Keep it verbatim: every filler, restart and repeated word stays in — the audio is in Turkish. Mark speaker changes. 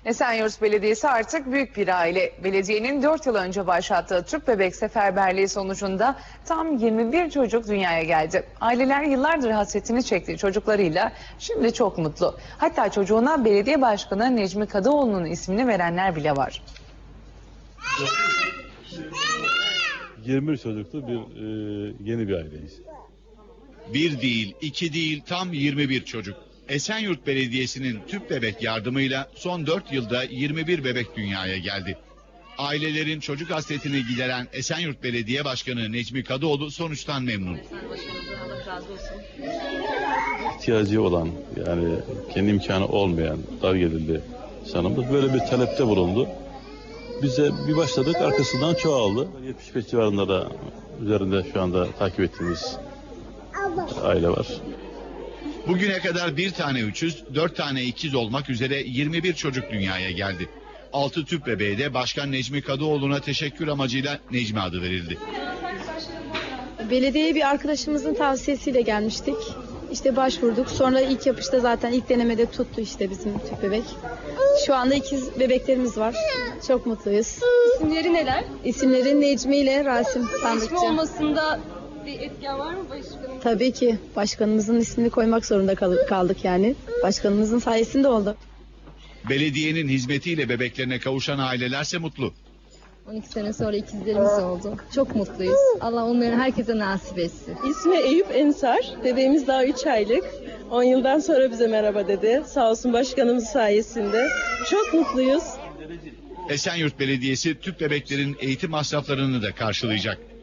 Speaker 1: Esenyurt Belediyesi artık büyük bir aile. Belediyenin dört yıl önce başlattığı tüp bebek seferberliği sonucunda tam yirmi bir çocuk dünyaya geldi. Aileler yıllardır hasretini çektiği çocuklarıyla şimdi çok mutlu. Hatta çocuğuna belediye başkanı Necmi Kadıoğlu'nun ismini verenler bile var.
Speaker 2: yirmi bir çocuklu bir e, yeni bir aileyiz.
Speaker 3: Bir değil, iki değil, tam yirmi bir çocuk. Esenyurt Belediyesi'nin tüp bebek yardımıyla son dört yılda yirmi bir bebek dünyaya geldi. Ailelerin çocuk hasretini gideren Esenyurt Belediye Başkanı Necmi Kadıoğlu sonuçtan memnun.
Speaker 2: İhtiyacı olan, yani kendi imkanı olmayan, dar gelirli insanımız böyle bir talepte bulundu. Biz de bir başladık, arkasından çoğaldı. yetmiş beş civarında da üzerinde şu anda takip ettiğimiz aile var.
Speaker 3: Bugüne kadar bir tane üçüz, dört tane ikiz olmak üzere yirmi bir çocuk dünyaya geldi. altı tüp bebeğe de Başkan Necmi Kadıoğlu'na teşekkür amacıyla Necmi adı verildi.
Speaker 4: Belediyeye bir arkadaşımızın tavsiyesiyle gelmiştik. İşte başvurduk. Sonra ilk yapışta zaten ilk denemede tuttu işte bizim tüp bebek. Şu anda ikiz bebeklerimiz var. Çok mutluyuz.
Speaker 5: İsimleri neler?
Speaker 4: İsimleri Necmi ile Rasim Sandıkçı.
Speaker 5: İsmi olmasında bir etken var mı başkanım?
Speaker 4: Tabii ki. Başkanımızın ismini koymak zorunda kal- kaldık yani. Başkanımızın sayesinde oldu.
Speaker 3: Belediyenin hizmetiyle bebeklerine kavuşan ailelerse mutlu.
Speaker 5: on iki sene sonra ikizlerimiz oldu. Çok mutluyuz. Allah onların herkese nasip etsin.
Speaker 6: İsmi Eyüp Ensar. Bebeğimiz daha üç aylık. on yıldan sonra bize merhaba dedi. Sağ olsun başkanımız sayesinde. Çok mutluyuz.
Speaker 3: Esenyurt Belediyesi tüp bebeklerin eğitim masraflarını da karşılayacak.